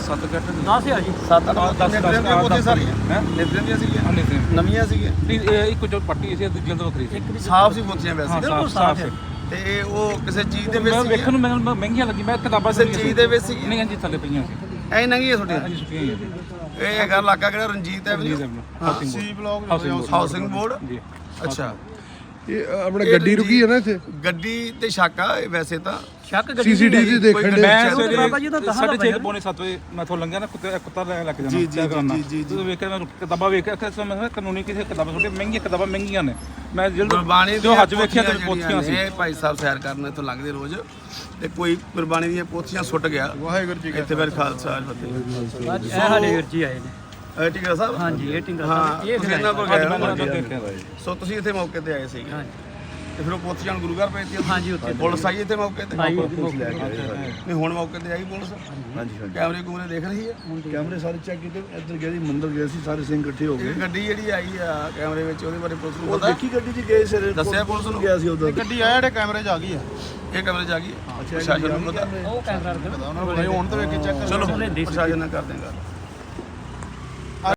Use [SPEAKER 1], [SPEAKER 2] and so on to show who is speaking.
[SPEAKER 1] 7 ਘੱਟ
[SPEAKER 2] 10 ਆ ਜੀ
[SPEAKER 3] 7
[SPEAKER 1] 10
[SPEAKER 3] ਪੋਥੀਆਂ ਸਾਰੀਆਂ
[SPEAKER 1] ਹੈ
[SPEAKER 3] ਨਿਤਰੇਮ ਦੀਆਂ ਸੀਗੀਆਂ
[SPEAKER 1] ਨਹੀਂ
[SPEAKER 3] ਨਵੀਆਂ ਸੀਗੀਆਂ
[SPEAKER 1] ਇਹ ਇੱਕ ਜੋ ਪੱਟੀ ਸੀ ਦੂਜੀ ਤੋਂ ਵੱਖਰੀ ਸੀ
[SPEAKER 3] ਸਾਫ ਸੀ ਪੋਥੀਆਂ ਵੈਸੇ
[SPEAKER 2] ਬਿਲਕੁਲ ਸਾਫ਼ ਹੈ।
[SPEAKER 3] ਤੇ ਉਹ ਕਿਸੇ ਚੀਜ਼ ਦੇ ਵਿੱਚ
[SPEAKER 1] ਮੈਂ
[SPEAKER 3] ਸੀਗੀਆਂ?
[SPEAKER 1] ਵੇਖਣ ਨੂੰ ਮੈਨੂੰ ਮਹਿੰਗੀਆਂ ਲੱਗੀ ਮੈਂ ਕਿਤਾਬਾਂ
[SPEAKER 3] ਕਿਸੇ ਚੀਜ਼ ਦੇ ਵਿੱਚ ਸੀਗੀਆਂ?
[SPEAKER 1] ਨਹੀਂ ਹਾਂਜੀ ਥੱਲੇ ਪਈਆਂ ਸੀ
[SPEAKER 3] ਐ ਨੰਗੀ ਤੁਹਾਡੀਆਂ
[SPEAKER 1] ਹਾਂਜੀ ਸੁੱਕੀਆਂ ਹੀ ਆ ਜੀ
[SPEAKER 3] ਇਹ ਹੈਗਾ ਇਲਾਕਾ ਕਿਹੜਾ Ranjit avenue
[SPEAKER 1] housing
[SPEAKER 3] housing board
[SPEAKER 1] ਜੀ
[SPEAKER 3] ਅੱਛਾ
[SPEAKER 4] ਇਹ ਆਪਣੇ ਗੱਡੀ ਰੁਕੀ ਹੈ ਨਾ ਇੱਥੇ
[SPEAKER 3] ਗੱਡੀ ਤੇ ਸ਼ੱਕ ਆ ਇਹ ਵੈਸੇ ਤਾਂ
[SPEAKER 2] ਸ਼ੱਕ ਗੱਡੀ
[SPEAKER 4] ਸੀਸੀਟੀਵੀ ਦੇਖਣ ਦੇ
[SPEAKER 1] ਮੈਂ
[SPEAKER 2] ਉਹ ਤਾਂ ਬਾਬਾ ਜੀ ਦਾ ਦਸਾਂ ਦਾ
[SPEAKER 1] 6:30 ਪੌਣੇ 7 ਵਜੇ ਮੈਂ ਤੋਂ ਲੰਘਿਆ ਨਾ ਕੁੱਤਾ ਲੈ ਕੇ ਜਾਣਾ ਚੈੱਕ ਕਰਨਾ ਜਦੋਂ ਵੇਖਿਆ ਮੈਂ ਕਿਤਾਬਾਂ ਵੇਖਿਆ ਕਿ ਮੈਂ ਕਾਨੂੰਨੀ ਕਿਸੇ ਕਿਤਾਬਾਂ ਛੋਟੇ ਮਹਿੰਗੀਆਂ ਕਿਤਾਬਾਂ ਮਹਿੰਗੀਆਂ ਨੇ ਮੈਂ
[SPEAKER 3] ਗੁਰਬਾਣੀ
[SPEAKER 1] ਜੋ ਹੱਜ ਵੇਖਿਆ ਤੇ ਪੋਥੀਆਂ ਸੀ
[SPEAKER 3] ਇਹ ਭਾਈ ਸਾਹਿਬ ਸੈਰ ਕਰਨ ਇੱਥੋਂ ਲੰਘਦੇ ਰੋਜ਼ ਤੇ ਕੋਈ ਗੁਰਬਾਣੀ ਦੀਆਂ ਪੋਥੀਆਂ ਸੁੱਟ ਗਿਆ ਵਾਹਿਗੁਰੂ ਜੀ ਇੱਥੇ ਫਿਰ ਖਾਲਸਾ ਫਤਿਹ
[SPEAKER 2] ਇਹ ਸਾਡੇ ਵੀਰ ਜੀ ਆਏ ਨੇ
[SPEAKER 3] ਟਿੰਗਰਾ ਸਾਹਿਬ
[SPEAKER 2] ਹਾਂਜੀ ਇਹ ਟਿੰਗਾ
[SPEAKER 3] ਹਾਂ
[SPEAKER 2] ਸਾਹਿਬ ਇਹ
[SPEAKER 3] ਤੁਸੀਂ
[SPEAKER 2] ਫਿਰ
[SPEAKER 3] ਇਹਨਾਂ ਕੋਲ
[SPEAKER 1] ਅੱਜ
[SPEAKER 3] ਗਏ
[SPEAKER 1] ਮੈਂ
[SPEAKER 3] ਹੋ।
[SPEAKER 1] ਦੇਖਿਆ ਦਾ ਜੀ
[SPEAKER 3] ਸੋ ਤੁਸੀਂ ਇੱਥੇ ਮੌਕੇ ਤੇ ਆਏ ਸੀਗੇ
[SPEAKER 2] ਹਾਂਜੀ
[SPEAKER 3] ਤੇ ਫਿਰ ਉਹ ਪੋਥੀਆਂ ਨੂੰ ਗੁਰੂ ਘਰ ਭੇਜਤੀਆਂ
[SPEAKER 2] ਹਾਂਜੀ ਉੱਥੇ
[SPEAKER 3] ਪੁਲਿਸ ਆਈ ਇੱਥੇ ਮੌਕੇ ਤੇ
[SPEAKER 2] ਆਈ
[SPEAKER 3] ਨਹੀਂ ਹੁਣ ਮੌਕੇ ਤੇ ਆਈ ਪੁਲਿਸ
[SPEAKER 4] ਹਾਂਜੀ
[SPEAKER 3] ਕੈਮਰੇ ਕੂਮਰੇ ਦੇਖ ਰਹੀ ਹੈ
[SPEAKER 4] ਕੈਮਰੇ ਸਾਰੇ ਚੈੱਕ ਕੀਤੇ ਇੱਧਰ ਗਏ ਸੀ ਮੰਦਰ ਗਏ ਸੀ ਸਾਰੇ ਸਿੰਘ ਇਕੱਠੇ ਹੋ ਗਏ
[SPEAKER 3] ਇਹ ਗੱਡੀ ਜਿਹੜੀ ਆਈ ਆ ਕੈਮਰੇ ਵਿੱਚ ਉਹਦੇ ਬਾਰੇ ਪੁਲਿਸ ਨੂੰ
[SPEAKER 4] ਉਹ
[SPEAKER 3] ਪਤਾ
[SPEAKER 4] ਦੇਖੀ ਗੱਡੀ 'ਚ ਗਏ ਸਿਰ
[SPEAKER 3] ਦੱਸਿਆ ਪੁਲਿਸ ਨੂੰ
[SPEAKER 4] ਗਿਆ ਸੀ ਉਦੋਂ
[SPEAKER 5] ਗੱਡੀ ਆ ਜਿਹੜੇ ਕੈਮਰੇ 'ਚ ਆ ਗਈ ਆ
[SPEAKER 3] ਇਹ ਕੈਮਰੇ 'ਚ ਆ ਗਈ ਪ੍ਰਸ਼ਾਸਨ ਨੂੰ ਪਤਾ
[SPEAKER 2] ਉਹ ਕੈਮਰਾ ਰੱਖਣਾ
[SPEAKER 5] ਉਹਨਾਂ ਕੋਲ ਹੁਣ ਤਾਂ ਵੇਖ ਕੇ ਚੈੱਕ
[SPEAKER 3] ਚਲੋ ਪ੍ਰਸ਼ਾਸਨ ਨਾਲ ਕਰ ਦੇਗਾ